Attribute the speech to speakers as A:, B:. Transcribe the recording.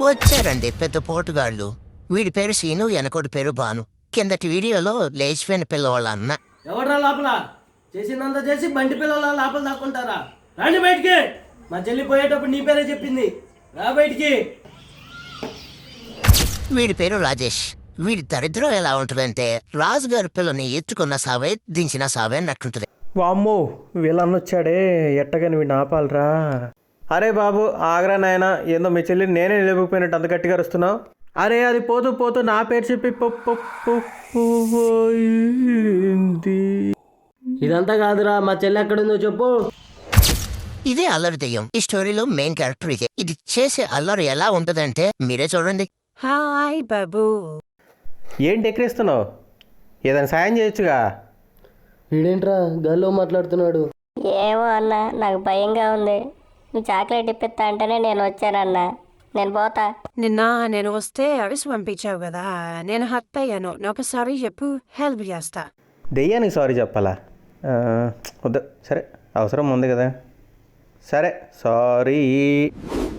A: వచ్చారండి పెద్ద పోటుగాళ్ళు. వీడి పేరు సీను, వెనకోడి పేరు భాను. కిందటి వీడియోలో లేచిపోయిన పిల్లవాళ్ళ అన్న.
B: ఎవడ్రా లోపల చేసిందంతా చేసి బంటి పిల్లల లోపల దాక్కుంటారా? రండి బయటికి. మా చెల్లి పోయేటప్పుడు నీ పేరే చెప్పింది, రా బయటికి.
A: వీడి పేరు రాజేష్. వీడి దరిద్రం ఎలా ఉంటుందంటే రాజుగారి పిల్లని ఎత్తుకున్న సావే, దించిన సావే అన్నట్టుంటది.
C: వామ్మో వీళ్ళన్న వచ్చాడే, ఎట్టగాని వీడిని ఆపాలరా. అరే బాబు ఆగ్రా నాయన, ఏందో మీ చెల్లిని నేనే నిలబడిపోయినట్టు అంత గట్టిగా అరుస్తున్నావు. అరే అది పోతూ పోతూ నా పేరు చెప్పి
B: ఇదంతా కాదురా, మా చెల్లి ఎక్కడుందో చెప్పు.
A: ఇదే అల్లరి దెయ్యం. ఈ స్టోరీలో మెయిన్ క్యారెక్టర్ ఇదే. ఇది చేసే అల్లరి ఎలా ఉంటదంటే మీరే చూడండి.
D: హాయ్ బాబు.
C: ఏంటి ఎక్కిరిస్తున్నావు? ఏదైనా సాయం చేయొచ్చుగా.
B: వీడేంట్రా గాల్లో మాట్లాడుతున్నాడు?
E: ఏమో అన్న, నాకు భయంగా ఉంది. నువ్వు చాక్లెట్ ఇప్పిస్తా అంటేనే నేను వచ్చానన్నా. నేను పోతా.
D: నిన్న నేను వస్తే అవిసి పంపించావు కదా, నేను హర్ట్ అయ్యాను. ఒకసారి చెప్పు, హెల్ప్ చేస్తా.
C: దెయ్యానికి సారీ చెప్పాలా? వద్దు, సరే అవసరం ఉంది కదా. సరే సారీ.